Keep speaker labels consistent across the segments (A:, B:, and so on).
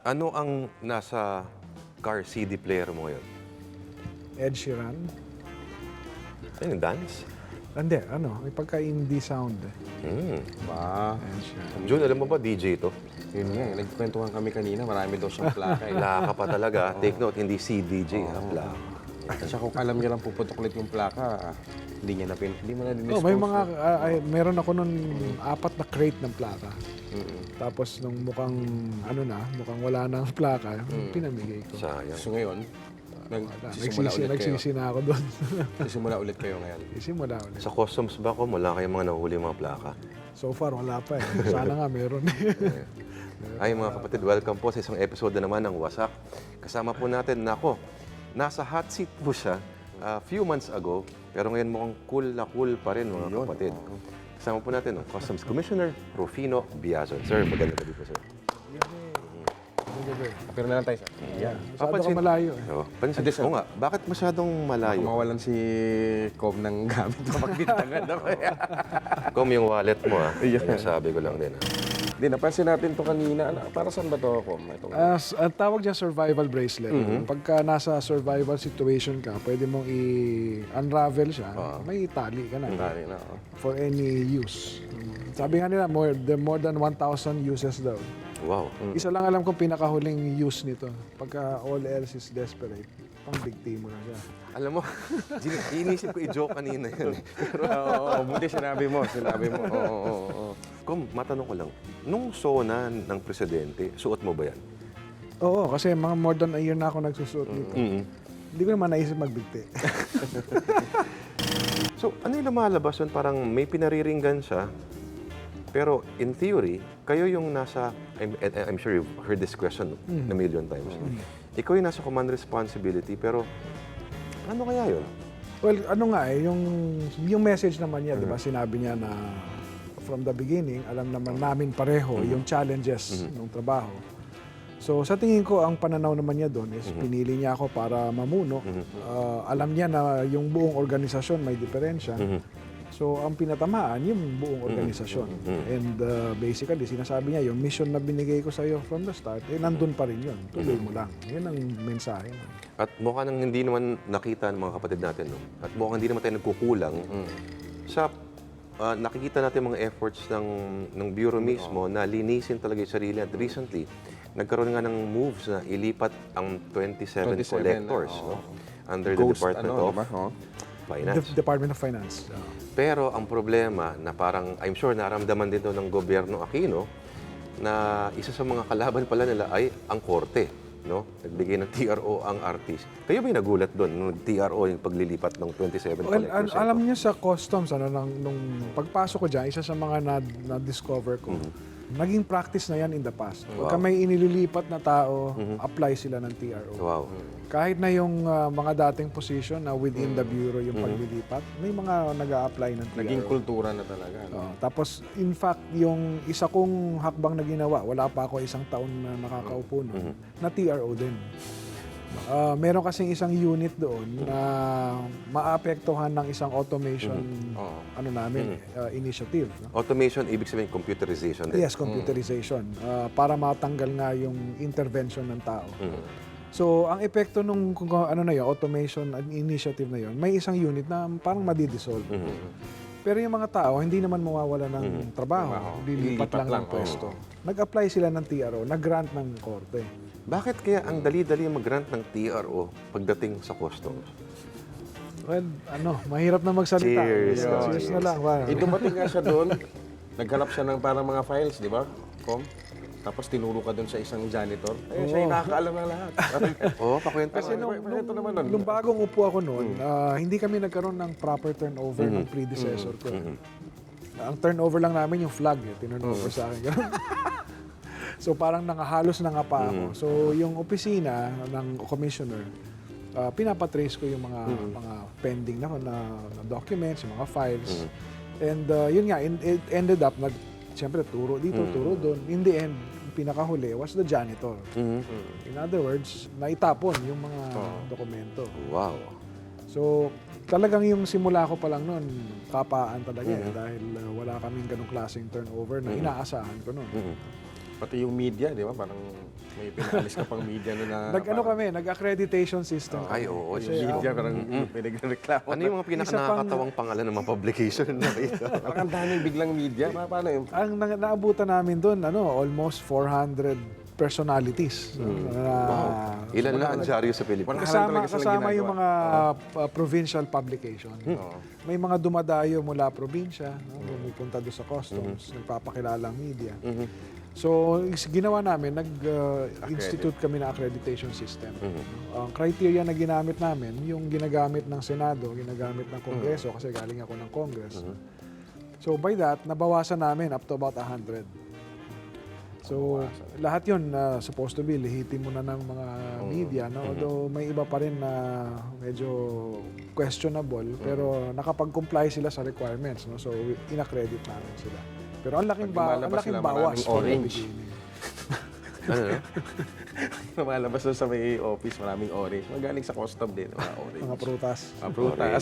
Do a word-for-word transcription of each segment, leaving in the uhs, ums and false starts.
A: Ano ang nasa car C D player mo ngayon?
B: Ed Sheeran.
A: Ano yung dance?
B: Hindi, ano, may pagka-indie sound. eh.
A: Hmm.
C: Ba,
B: Ed Sheeran.
A: Jun, alam mo ba D J to?
C: yun nga, eh, nagkwentuhan kami kanina, marami daw siyang plaka. Eh.
A: Plaka pa talaga. Take note, hindi C D J, ha? Plaka.
C: At siya kung alam niya lang puputok ulit yung plaka, hindi niya na pin, hindi mo na din
B: Oh, may mga, ah, ay, meron ako nun apat na crate ng plaka.
C: Mm-mm.
B: Tapos nung mukhang, ano na, mukhang wala na ang plaka, pinamigay ko.
A: Sayang.
C: So ngayon, nag,
B: Wala,
C: sisimula
B: nagsisi,
C: ulit kayo.
B: nagsisi na ako doon.
C: Sisimula ulit kayo ngayon.
B: Isimula ulit.
A: Sa customs ba ko, wala kayong mga nahuli mga plaka?
B: So far, wala pa eh. Sana nga meron.
A: Ay mga kapatid, welcome po sa isang episode na naman ng Wasak. Kasama po natin, nako, nasa hot seat po siya a few months ago, pero ngayon mukhang cool na cool pa rin mga kapatid. Kasama po natin, ang Customs Commissioner Rufino Biazon. Sir, magandang gabi po, sir.
C: Pero na lang tayo sa... Yeah.
B: Masyado ka malayo eh.
A: Oh, pansin,
C: Adi, sir.
A: oo nga, bakit masyadong malayo?
C: Mawalan si Com ng gamit kapag bintangan ako.
A: Kom yung wallet mo, ha?
C: Yeah.
A: Kaya sabi ko lang din, ha?
C: Hindi, napansin natin to kanina. Ano, para saan ba to, Com? Itong...
B: As, ang tawag dyan survival bracelet. Pagka nasa survival situation ka, pwede mong i-unravel siya, may tali ka na.
C: Tali na, oh.
B: For any use. Sabi nga nila, more, the more than one thousand uses daw.
A: Wow.
B: Isa lang alam kong pinakahuling use nito. Pagka all else is desperate, pang bigti mo na siya.
A: Alam mo, gin- inisip ko i-joke kanina yun. eh.
C: Oo, oh, buti sinabi mo, sinabi mo. Oo, oo, oo.
A: Kom, matanong ko lang, nung sona ng presidente, suot mo ba yan?
B: Oo, kasi mga more than a year na ako nagsusuot nito.
A: Mm-hmm.
B: Hindi ko naman naisip magbigti.
A: So, ano yung lumalabas yun? Parang may pinariringgan siya, pero in theory, kayo yung nasa, I'm, I'm sure you've heard this question a million times. Ikaw yung nasa command responsibility, pero ano kaya yun?
B: Well, ano nga eh, yung, yung message naman niya, di ba, sinabi niya na from the beginning, alam naman namin pareho yung challenges ng trabaho. So sa tingin ko, ang pananaw naman niya doon is pinili niya ako para mamuno. Uh, alam niya na yung buong organisasyon may diferensya. So ang pinatamaan, yung buong organisasyon. And uh, basically, sinasabi niya, yung mission na binigay ko sa iyo from the start, eh nandun pa rin yun. Tuloy mo lang. Yun ang mensahe.
A: At mukha nang hindi naman nakita ng mga kapatid natin, no? At mukha hindi naman tayo nagkukulang sa ah, nakikita natin mga efforts ng ng bureau mismo na linisin talaga yung sarili. At recently, nagkaroon nga ng moves na ilipat ang twenty-seven,
C: twenty-seven,
A: collectors
C: oo.
A: no? under the
C: Ghost,
A: Department
C: ano,
A: of
C: diba? Oh.
A: Finance.
B: The Department of Finance. Uh,
A: Pero ang problema na parang, I'm sure naramdaman dito ng gobyerno Aquino na isa sa mga kalaban pala nila ay ang korte. No? Nagbigay ng T R O ang artist. Kayo ba yung nagulat doon nung T R O yung paglilipat ng twenty-seven
B: Well,
A: collectors?
B: al- alam niyo sa customs, ano, nang, nung pagpasok ko dyan, isa sa mga na- na-discover ko, naging practice na yan in the past. Pagka may inililipat na tao, apply sila ng T R O.
A: Wow.
B: Kahit na yung ah, mga dating position na within the bureau yung paglilipat, may mga nag-a-apply ng T R O.
C: Naging kultura na talaga. No?
B: Oo. Tapos, in fact, yung isa kong hakbang na ginawa, wala pa ako isang taon na nakakaupo noon, na T R O din. Ah, meron kasing isang unit doon na maapektuhan ng isang automation
C: Oo.
B: ano namin, ah, initiative. No?
A: Automation, ibig sabihin computerization din.
B: Yes, computerization. Ah, para matanggal nga yung intervention ng tao. So, ang epekto nung kung ano na yun, automation initiative na yun, may isang unit na parang madidissolve. Pero yung mga tao, hindi naman mawawala ng trabaho.
C: Trabaho.
B: Lilipat
C: Lilipat
B: lang,
C: lang,
B: ng pwesto. Nag-apply sila ng T R O, nag-grant ng korte.
A: Bakit kaya ang dali-dali mag-grant ng T R O pagdating sa customs?
B: Well, ano, mahirap na magsalita.
A: Cheers.
B: Cheers, Cheers na lang. Wow.
C: Eh, dumating nga siya doon, naghanap siya ng parang mga files, di ba? Com? Tapos tinuro ka doon sa isang janitor. Eh, siya yung nakakaalam na lahat.
A: Oo, oh, pakwento.
B: Kasi nung,
C: Ito
B: nung,
C: naman nun.
B: nung bagong upo ako noon, ah, hindi kami nagkaroon ng proper turnover ng predecessor ko. Ang turnover lang namin yung flag, eh, tinurnover sa akin. Ganun. So parang nangahalos na nga pa ako. So yung opisina ng commissioner, ah, pinapatrace ko yung mga mga pending na, na, na documents, yung mga files. And ah, yun nga, in- it ended up, nag, siyempre turo dito, turo doon. In the end, yung pinakahuli was the janitor. In other words, naitapon yung mga dokumento.
A: Wow.
B: So, talagang yung simula ko pa lang noon, kapaan talaga eh, dahil uh, wala kaming ganong klaseng turnover na inaasahan ko noon.
C: Pati yung media, di ba? Parang may pinaalis ka pang media na na...
B: Nag-ano
C: parang-
B: kami, nag-accreditation system.
A: Ay, oo.
C: Yung
A: Kasi,
C: media, parang pinagreklamo.
A: ano yung mga
B: Isa pang-
A: pinakanakatawang pangalan ng mga publication na ito?
C: Parang ang daming biglang media. Pa- Paano yung...
B: Ang na- naabutan namin doon, ano, almost four hundred personalities. no, na-
A: Ilan lang ang dyaryo sa Pilipinas?
C: Wala
B: Kasama,
C: talaga silang
B: kasama yung
C: ginagawa.
B: mga uh, provincial publication.
C: Oo.
B: May mga dumadayo mula probinsya, no, pumupunta doon sa customs, nagpapakilala ang media. So, is- ginawa namin, nag-institute kami ng accreditation system. No? Ang criteria na ginamit namin, yung ginagamit ng Senado, ginagamit ng Kongreso, kasi galing ako ng Congress. So, by that, nabawasan namin up to about one hundred. So, lahat yun na supposed to be, lihitin mo na ng mga media. No? Although may iba pa rin na medyo questionable, pero nakapag-comply sila sa requirements. No? So, in-accredit namin sila. Pero ang laking,
C: Pag
B: ba- ang
C: lumalabas
B: laking
C: sila,
B: bawas
C: maraming
B: from the
C: orange.
B: beginning.
A: Ano, no?
C: Lumalabas doon sa may office, maraming orange. Magaling sa custom din, mga orange.
B: Mga prutas.
C: Mga prutas.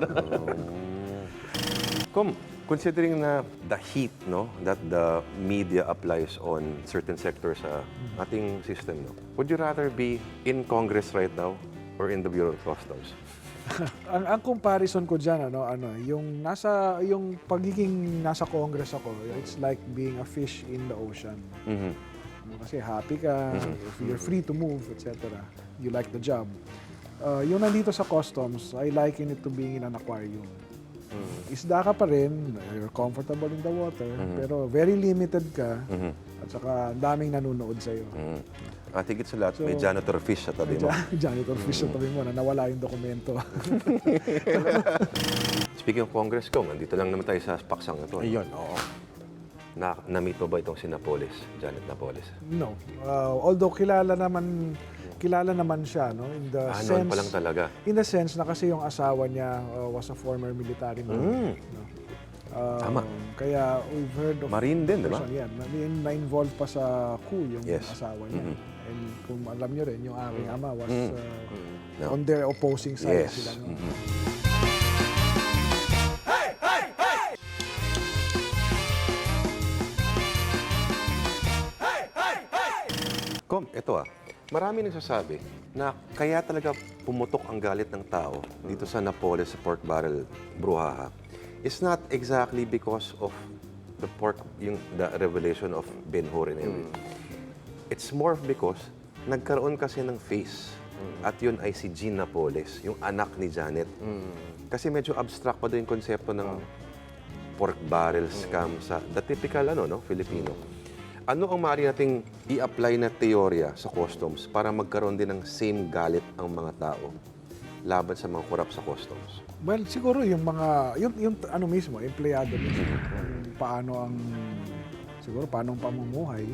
A: Kom, considering na the heat no that the media applies on certain sectors sa ating system, no, would you rather be in Congress right now or in the Bureau of Customs?
B: ang, ang comparison ko diyan ano ano yung nasa yung pagiging nasa Congress ako, it's like being a fish in the ocean.
A: Mhm.
B: No, kasi happy ka, if you're free to move, et cetera. You like the job. Uh, yung nandito sa customs, I liken it to being in an aquarium. Isda ka pa rin, you're comfortable in the water, pero very limited ka, at saka ang daming nanonood sa'yo.
A: Mm. At higit sa lahat, may
B: So,
A: janitor fish sa tabi mo.
B: Jan- Janitor fish sa tabi mo na nawala yung dokumento.
A: Speaking of Congress, Kong, andito lang naman tayo sa paksang na to.
C: Ayun, oo.
A: Na, na-meet mo ba itong si Napoles, Janet Napoles?
B: No. Uh, although kilala naman kilala naman siya no in the
A: Ah, noon
B: sense
A: pa lang talaga.
B: in the sense na kasi yung asawa niya uh, was a former military man.
A: Mm.
B: No? Um,
A: Tama.
B: Kaya we've heard of
A: Marine din, di ba?
B: person yan. Na- Na-involve pa sa coup yung
A: Yes.
B: asawa niya.
A: Mhm.
B: And kung alam niyo rin, yung aking ama was
A: Mm.
B: uh,
A: No.
B: on their opposing side
A: Yes.
B: sila. No?
A: Mhm. Kom, ito ah. Marami nagsasabi na kaya talaga pumutok ang galit ng tao dito sa Napoles sa pork barrel bruhaha. It's not exactly because of the pork, yung the revelation of Ben-Hur and everything. It's more because nagkaroon kasi ng face. At yun ay si Jean Napoles, yung anak ni Janet. Kasi medyo abstract pa doon yung konsepto ng pork barrel scam sa the typical ano no Filipino. Ano ang maaari nating i-apply na teorya sa customs para magkaroon din ng same galit ang mga tao laban sa mga korap sa customs?
B: Well, siguro yung mga, yung, yung ano mismo, empleyado mismo, kung paano ang, siguro paano ang pamumuhay.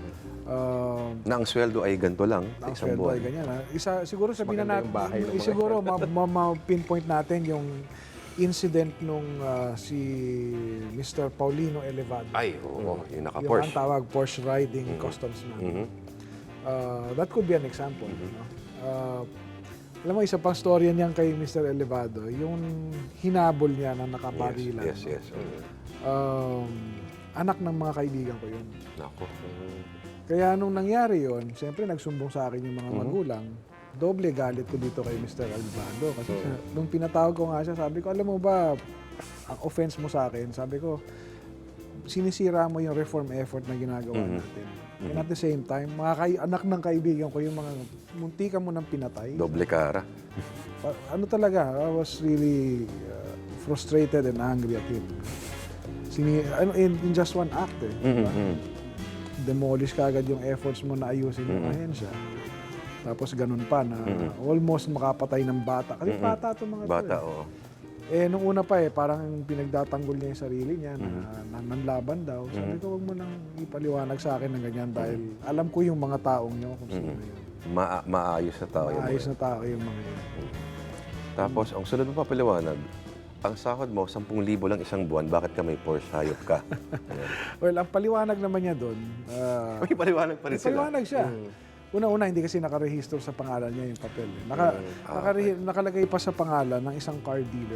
B: Uh,
A: Na ang sweldo ay ganito lang sa
B: ang
A: isang
B: sweldo ay
A: buwan.
B: ganyan. Ha? Isa, siguro sabihin na
C: maganda yung
B: natin,
C: bahay ng
B: eh,
C: mga
B: siguro ma- ma- ma-pinpoint natin yung incident nung ah, si Mister Paulino Elevado.
A: Ay, oo, yung
B: Yung
A: naka-Porsche.
B: ang tawag Porsche riding customs man.
A: Mhm.
B: Uh, that could be an example. No? Uh, alam mo, isa pang storya niyan kay Mister Elevado, yung hinabol niya na nakaparilan.
A: Yes,
B: no?
A: yes, yes. Mhm.
B: Um, anak ng mga kaibigan ko yun.
A: Nako.
B: Kaya nung nangyari yon, siyempre nagsumbong sa akin yung mga
A: Mhm.
B: magulang. Doble galit ko dito kay Mister Elevado. Kasi siya- nung pinatawag ko nga siya, sabi ko, alam mo ba, ang offense mo sa akin, sabi ko, sinisira mo yung reform effort na ginagawa
A: Mhm.
B: natin. And at the same time, mga kay- anak ng kaibigan ko, yung mga muntikan mo ng pinatay.
A: Doble kara.
B: Pa- ano talaga, I was really uh, frustrated and angry at him. Sini ano, in, in just one act eh. diba?
A: Mhm.
B: Demolish kagad yung efforts mo na ayusin yung ahensya. Tapos ganun pa na almost makapatay ng bata. Kasi bata itong mga to
A: Bata,
B: eh.
A: oo.
B: Eh, nung una pa eh, parang pinagdatanggol niya yung sarili niya na, na nanlaban daw. Sabi ko, huwag mo nang ipaliwanag sa akin ng ganyan dahil alam ko yung mga taong niyo kung sino yun.
A: Ma- maayos na tao yung
B: Maayos
A: mga.
B: na tao yung mga yun.
A: Tapos, ang sunod mo pa paliwanag, ang sahod mo, sampung libo lang isang buwan, bakit ka may Porsche hayop ka? Ayan.
B: Well, ang paliwanag naman niya doon, ah,
A: May paliwanag pa rin
B: may
A: sila.
B: paliwanag siya. Una-una, hindi kasi nakarehistro sa pangalan niya yung papel. Eh. Naka, nakarehi- nakalagay pa sa pangalan ng isang car dealer.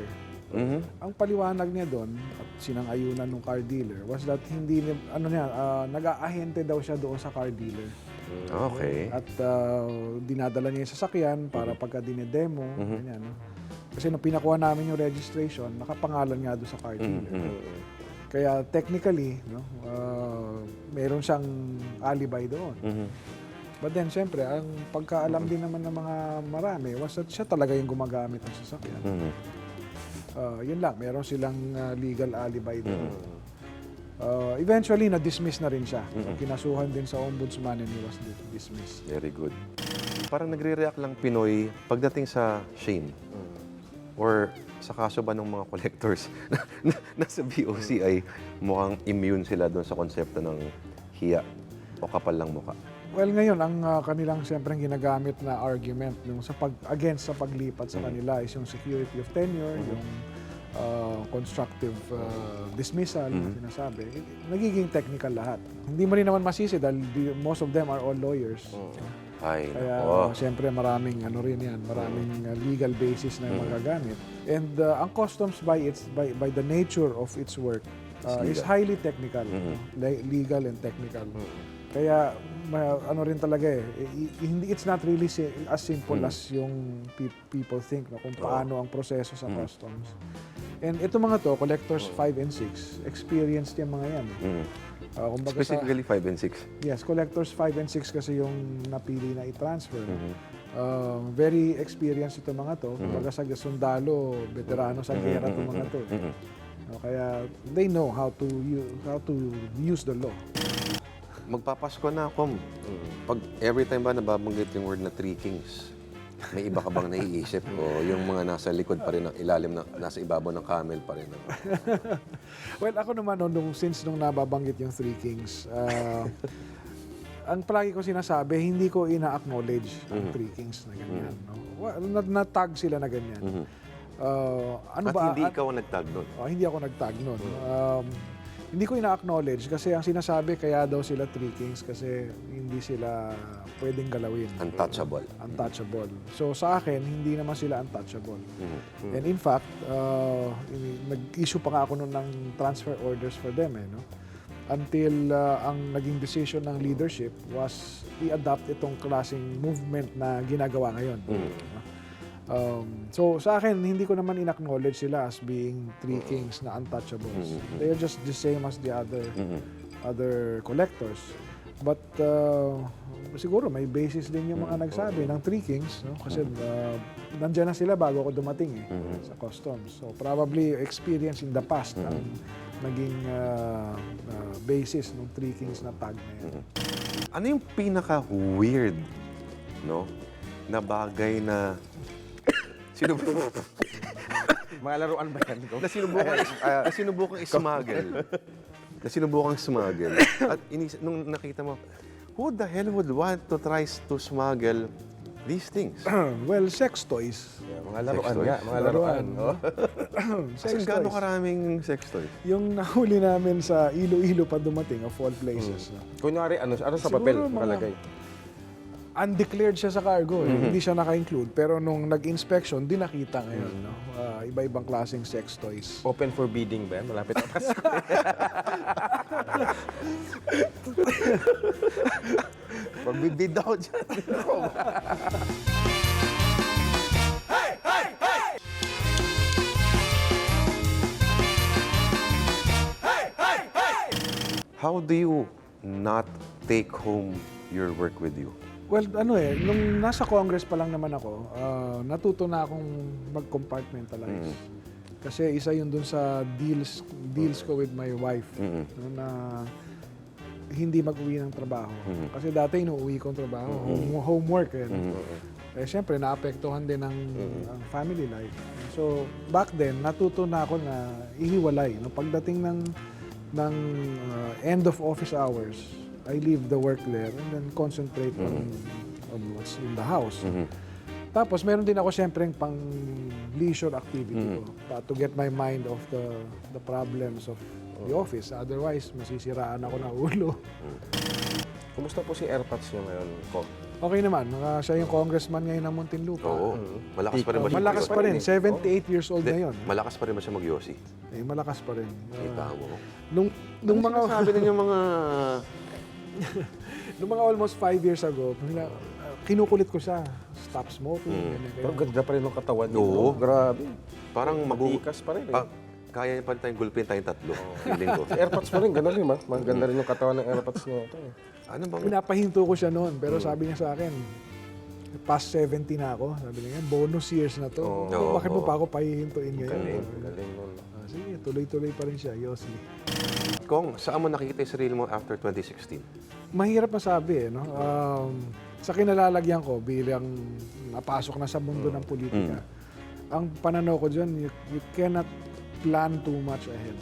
B: Ang paliwanag niya doon at sinang-ayunan ng car dealer was that hindi ni- ano niya ah, nag-aahente daw siya doon sa car dealer.
A: Okay.
B: At ah, dinadala niya yung sasakyan para pagka dinedemo, ganyan, no? Kasi nung pinakuha namin yung registration, nakapangalan nga doon sa car dealer. Kaya technically, no, ah, meron siyang alibi doon. But then, siyempre, ang pagkaalam din naman ng mga marami was that siya talaga yung gumagamit ng sasakyan. Ah, yun lang, meron silang ah, legal alibi doon. Ah, eventually, na-dismiss na rin siya. Kinasuhan din sa ombudsman and he was di- dismissed.
A: Very good. Parang nagre-react lang Pinoy pagdating sa shame. Or sa kaso ba ng mga collectors na, na, nasa B O C ay mukhang immune sila doon sa konsepto ng hiya o kapal lang muka.
B: Well, ngayon, ang ah, kanilang siyempre ginagamit na argument yung sa pag, against sa paglipat sa kanila is yung security of tenure, yung ah, constructive ah, dismissal, na sinasabi. Nagiging technical lahat. Hindi mo rin naman masisi dahil di- most of them are all lawyers.
A: Ay,
B: Kaya
A: nako.
B: siyempre maraming ano rin yan, maraming uh, legal basis na magagamit. And uh, ang customs by its by by the nature of its work uh, is highly technical, no? Le- legal and technical. Kaya ma- ano rin talaga eh, i- i- hindi it's not really si- as simple as yung pe- people think no, kung paano ang proseso sa customs. And ito mga to, collectors five and six, experienced yung mga yan. eh. Uh, kumbaga sa-
A: Specifically five and six.
B: Yes, collectors five and six kasi yung napili na i-transfer. Uh, very experienced ito mga to. Kumbaga sa sundalo, veterano sa gera itong mga to. No, kaya they know how to u- how to use the law.
A: Magpapasko na ako. Pag every time ba nababanggit yung word na three kings, may iba ka bang naiisip o yung mga nasa likod pa rin ng ilalim na nasa ibabaw ng camel pa rin?
B: Well, ako naman no, nung, since nung nababanggit yung Three Kings, uh, ang palagi ko sinasabi, hindi ko ina-acknowledge ang Three Kings na ganyan. No? Wa- na- Na-tag sila na ganyan. Uh, ano
A: At
B: ba?
A: hindi
B: at-
A: ikaw ang nagtag nun.
B: Oh, hindi ako nagtag nun. Um, hindi ko ina-acknowledge kasi ang sinasabi kaya daw sila Three Kings kasi hindi sila pwedeng galawin.
A: Untouchable.
B: Untouchable. So sa akin, hindi naman sila untouchable. And in fact, uh, ini- nag-issue pa nga ako nun ng transfer orders for them eh, no? Until uh, ang naging decision ng leadership was i-adopt itong klaseng movement na ginagawa ngayon. no? Um, so sa akin, hindi ko naman in-acknowledge sila as being Three Kings na untouchables. They are just the same as the other other collectors. But uh, siguro may basis din yung mga nagsabi ng Three Kings, no? Kasi uh, nandiyan na sila bago ako dumating eh, sa customs. So probably experience in the past ang naging uh, uh, basis ng Three Kings na tag na yan.
A: Ano yung pinaka-weird, no, na bagay na sinubukan,
C: Mga laruan ba yan?
A: na sinubukan, na sinubukan ismuggle? na sinubukan smuggle. At inis, nung nakita mo, who the hell would want to try to smuggle these things?
B: Well, sex toys.
C: Yeah, mga laruan
A: toys.
C: nga, mga laruan.
B: Laruan.
C: Oh.
A: Kasi
B: Sex
A: gaano
B: toys.
A: karaming sex toys?
B: Yung nahuli namin sa Iloilo pa dumating, of all places. no?
C: Kunyari, ano, ano sa
B: Siguro
C: papel
B: mga-
C: nakalagay?
B: Undeclared siya sa cargo, eh. Hindi siya naka-include. Pero nung nag-inspection, di nakita ngayon. No? Ah, iba-ibang klaseng sex toys.
C: Open for bidding ba yan? Malapit na Pasko.
A: Pagbibid ako dyan. How do you not take home your work with you?
B: Well, ano eh, nung nasa Congress pa lang naman ako, ah, natuto na akong mag-compartmentalize. Kasi isa yun dun sa deals deals ko with my wife no, na hindi mag-uwi ng trabaho. Kasi dati inuuwi ko ang trabaho, home, homework eh. no? Eh syempre naapektuhan din ang, ang family life. So back then natuto na ako na ihiwalay. No? Pagdating ng ng uh, end of office hours, I leave the work there and then concentrate on, on what's in the house. Tapos meron din ako syempre pang leisure activity ko pa to get my mind off the the problems of the office. Otherwise, masisiraan ako ng ulo.
C: Kumusta po si AirPods nyo ngayon, Ko?
B: Okay naman, uh, siya yung congressman ngayon ng Muntinlupa.
A: Oo. Malakas pa rin ba siya?
B: Malakas pa rin,
C: eh.
B: seventy-eight years old na yun.
A: Malakas pa rin ba siya mag-yosi?
B: Eh, malakas pa rin. Uh,
A: Kita mo.
B: nung, nung mga...
A: Sabi ninyo mga...
B: Nung mga almost five years ago, nila- uh, kinukulit ko siya. Stop smoking. ganyan,
C: Pero
B: ganyan.
C: ganda pa rin ng katawan niya.
A: Oo.
C: no? Grabe.
A: Parang mag
C: Matikas pa rin eh.
A: Pa, kaya niya pa rin tayong gulpin tayong tatlo. Feeling ko.
C: Si AirPods pa rin, gano'n rin, ma. Maganda rin yung katawan ng AirPods niya. Ito, eh.
A: Ano bang...
B: Pinapahinto ko siya noon, pero sabi niya sa akin, past seventy na ako. Sabi niya, bonus years na to.
C: Oo.
B: Oh, bakit mo
A: Oo.
B: pa ako pahihintuin ngayon?
C: Galing, galing nun.
B: Ah, sige, tuloy-tuloy pa rin siya, Yossi.
A: Kong, saan mo nakikita yung sarili mo after twenty sixteen?
B: Mahirap masabi eh, no? Um, sa kinalalagyan ko bilang napasok na sa mundo ng politika, ang pananaw ko dyan, you, you cannot plan too much ahead.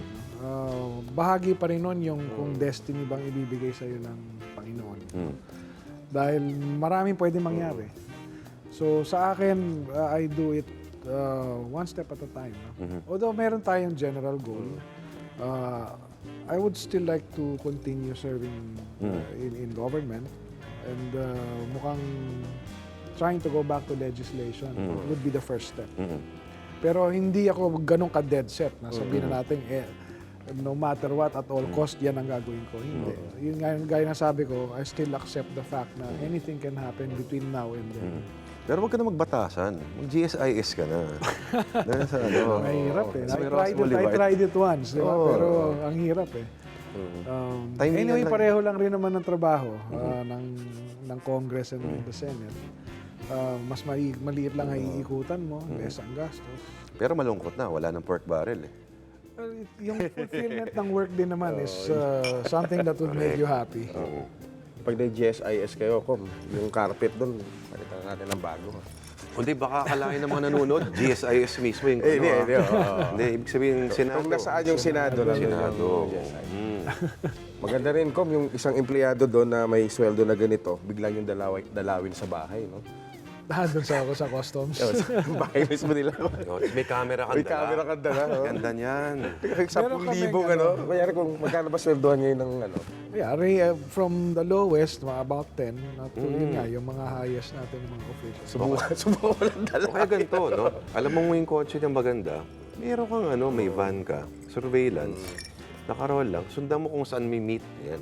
B: Uh, bahagi pa rin nun yung kung destiny bang ibibigay sa'yo ng Panginoon.
A: Mm.
B: Dahil maraming pwede mangyari. So sa akin, uh, I do it uh, one step at a time. No? Although meron tayong general goal, uh, I would still like to continue serving uh, in, in government and uh, mukhang trying to go back to legislation would be the first step.
A: Mm.
B: Pero hindi ako ganun ka-dead set na sabihin na natin, eh, no matter what, at all cost, yan ang gagawin ko. Hindi. Yun nga yung gaya na sabi ko, I still accept the fact na anything can happen between now and then.
A: Pero wag ka na magbatasan. Mag-G S I S ka na. Dahil sa ano.
B: Mahirap eh.
A: Sa
B: I
A: may
B: tried,
A: Roswell,
B: it, I
A: di ba?
B: tried it once, di ba?
A: Oo.
B: Pero ang hirap eh. Um,
A: Timingan
B: anyway,
A: lang.
B: pareho lang rin naman ng trabaho uh, ng, ng Congress and the Senate. Uh, mas mali, maliit lang ay iikutan mo, less ang gastos.
A: Pero malungkot na. Wala ng pork barrel eh.
B: Well, it- yung fulfillment ng work din naman is uh, something that would make you happy.
C: Pag nag-G S I S kayo, kom, yung carpet doon, palitan natin ng bago.
A: Kundi baka akalain ng mga nanonood, G S I S mismo yung
C: Eh, hindi,
A: ano,
C: hindi,
A: ah.
C: oo.
A: Hindi, ibig sabihin, Senado.
C: Kung nasaan yung Senado, nandun yung
A: Senado.
C: G S I S.
A: Mm.
C: Maganda rin, kom, yung isang empleyado doon na may sweldo na ganito, biglang yung dalawi, dalawin sa bahay, no?
B: Ah, doon sa ako sa customs.
C: Yung bahay mismo nila.
A: Oh, tapos may camera kang
C: May
A: dala.
C: camera ka dala, no?
A: Ganda niyan.
C: Sampung
B: kaming
C: libo,
B: ano.
C: ano? Kaya kung magkano ba sweldohan ngayon ng ano?
B: Yeah, re, uh, from the lowest, mga about ten, at yun nga, yung mga highest natin, yung mga officials.
C: Subukan, subukan mo lang dala.
A: O kaya ganito, no? Alam mo mo yung kotse niyang maganda, meron kang ano, may van ka, surveillance, nakaroll lang, sundan mo kung saan may meet. Yan.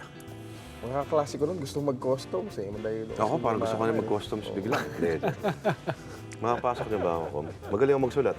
C: Mga klasiko nun, gusto mag-customs eh. Madali doon.
A: Ako, parang gusto ko na mag-customs bigla. Hindi. Makapasok niyo ba ako, Kom? Magaling ako magsulat.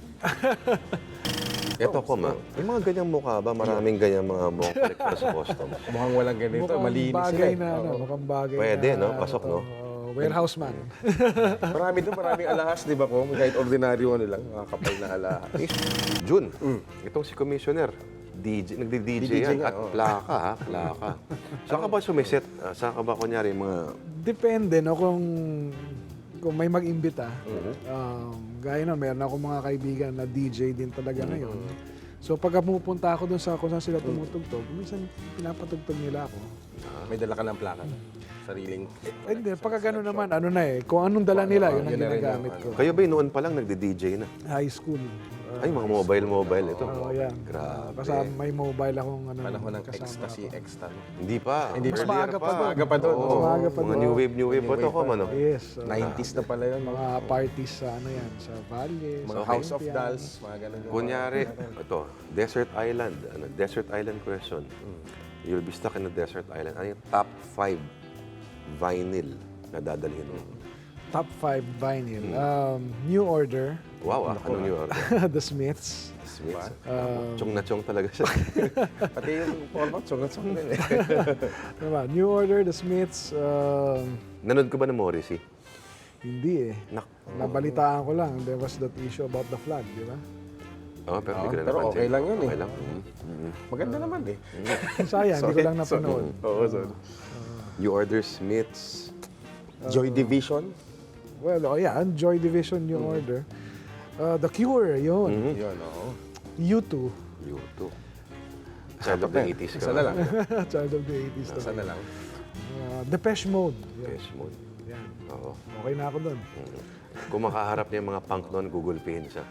A: Ito, Kom, ah. May mga ganyang mukha ba? Maraming ganyang mga mukhang kolektor sa customs.
C: Mukhang walang ganito,
B: Mukhang
C: malinis sila
B: bagay
C: eh.
B: na, ano, mukhang bagay
A: Pwede,
B: na,
A: no?
B: ano
A: Pasok,
B: to,
A: no?
B: uh, warehouse man.
C: Marami doon, maraming alahas, di ba ko? Kahit ordinaryo ano lang, makakapal na alahas.
A: June, itong si Commissioner, D J, nagdi-D J
C: D J
A: yan.
C: nga,
A: At
C: oh.
A: plaka, ha? Plaka. Saan ka ba sumiset? Ah, Saan ka ba, kunyari, mga...
B: Depende, no, kung kung may mag-imbita. Um, gaya na, meron ako mga kaibigan na D J din talaga ngayon. So pagka pumupunta ako dun sa kung saan sila tumutugtog, minsan pinapatugtog nila ako.
C: May dala ka ng plaka. Sariling.
B: Eh, hindi, pagka gano'n naman, ano na eh, kung anong dala nila, yun ang
C: yun na rin
B: ginagamit
C: yung
B: ko.
A: Kayo ba noon pa lang nagdi-D J na?
B: High school.
A: Ay, mga mobile-mobile ito.
B: Oo, yan.
A: Grabe.
B: Kasama may mobile akong ano.
C: Panahon ng
B: kasama
C: ecstasy,
B: ako.
C: ecstasy.
A: Hindi pa.
C: Hindi pa.
A: Earlier
B: Maaga pa doon.
C: Maaga pa doon.
A: Oo,
C: Mas
B: maaga pa
A: mga
B: doon.
A: new wave, new wave pa to, Kom, ano?
B: Yes. uh,
C: nineties na pala yun.
B: mga parties sa ano yan, sa Valle,
C: Mga
B: sa
C: House of
B: Olympian.
C: Dolls, mga ganun yung
A: Kunyari, ito, Desert Island. Ano, Desert Island question. You'll be stuck in a desert island. Ano yung top five vinyl na dadalhin mo?
B: Top five vinyl. Um, New Order,
A: Wow, ah, ano yung order?
B: The Smiths,
A: Smiths.
B: Um,
A: Chong na chong talaga siya.
C: Pati yung format, sungat-sungat din eh.
B: diba? New Order, The Smiths, um,
A: Nanood ka ba ng Morrissey?
B: hindi eh.
A: Nak.
B: Nabalitaan ko lang, there was that issue about the flag, di ba?
A: Oh, pero hindi ko na
C: pero
A: napansin.
C: okay lang yun eh.
A: Okay lang. Mm. Mm.
C: Maganda naman eh.
B: Sayang, hindi ko lang napanood.
C: Oo, sorry.
A: You order Smiths.
C: Joy Division.
B: Well, oh yeah, Joy Division, New Order. Uh, The Cure, yun.
C: Yun, oo.
B: U two,
A: You too. Child of the eighties ka.
C: Isa na lang.
B: Child of the eighties.
C: Isa na lang.
B: Uh, Depeche Mode. Yan.
A: Best mode.
B: Yan.
A: Oo.
B: Okay na ako doon.
A: Kung makaharap niya yung mga punk noon, Google Pin siya.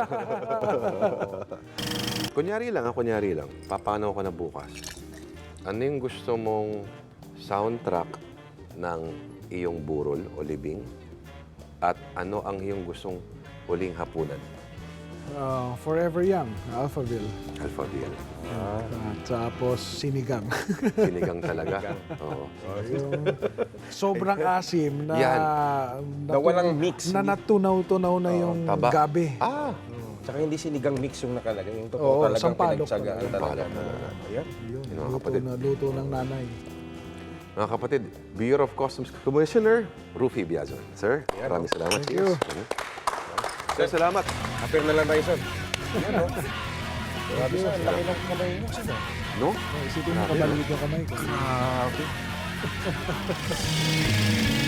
A: Kunyari lang, ah, kunyari lang. Papanaw ko na bukas. Ano yung gusto mong soundtrack ng iyong burol o libing? At ano ang iyong gustong huling hapunan?
B: Ah, Forever Young, Alphaville.
A: Alphaville.
B: At tapos sinigang.
A: Sinigang talaga. Oo.
B: Yung sobrang asim na,
A: Yan.
B: na,
C: Na walang mix.
B: na natunaw-tunaw na yung
A: taba.
B: gabi.
A: Ah!
C: Tsaka hindi sinigang mix yung nakalagay. Yung totoo
B: Oo,
C: talagang
B: sampalok
C: pinagtsagaan
A: talaga.
C: talaga. Ayan.
B: Yun,
A: Yun, mga
B: luto,
A: kapatid.
B: na, luto ng nanay.
A: Mga kapatid, Bureau of Customs Commissioner Rufy Biazon. Sir, maraming salamat.
B: Thank you.
A: Sir, salamat.
C: Appear na lang tayo, sir. Ayan, no? Grabe, sir. Ang laki ng kamay niyo, sir.
A: No?
B: Oh, isipin mo, kabalik yung kamay ko.
C: Ah, okay.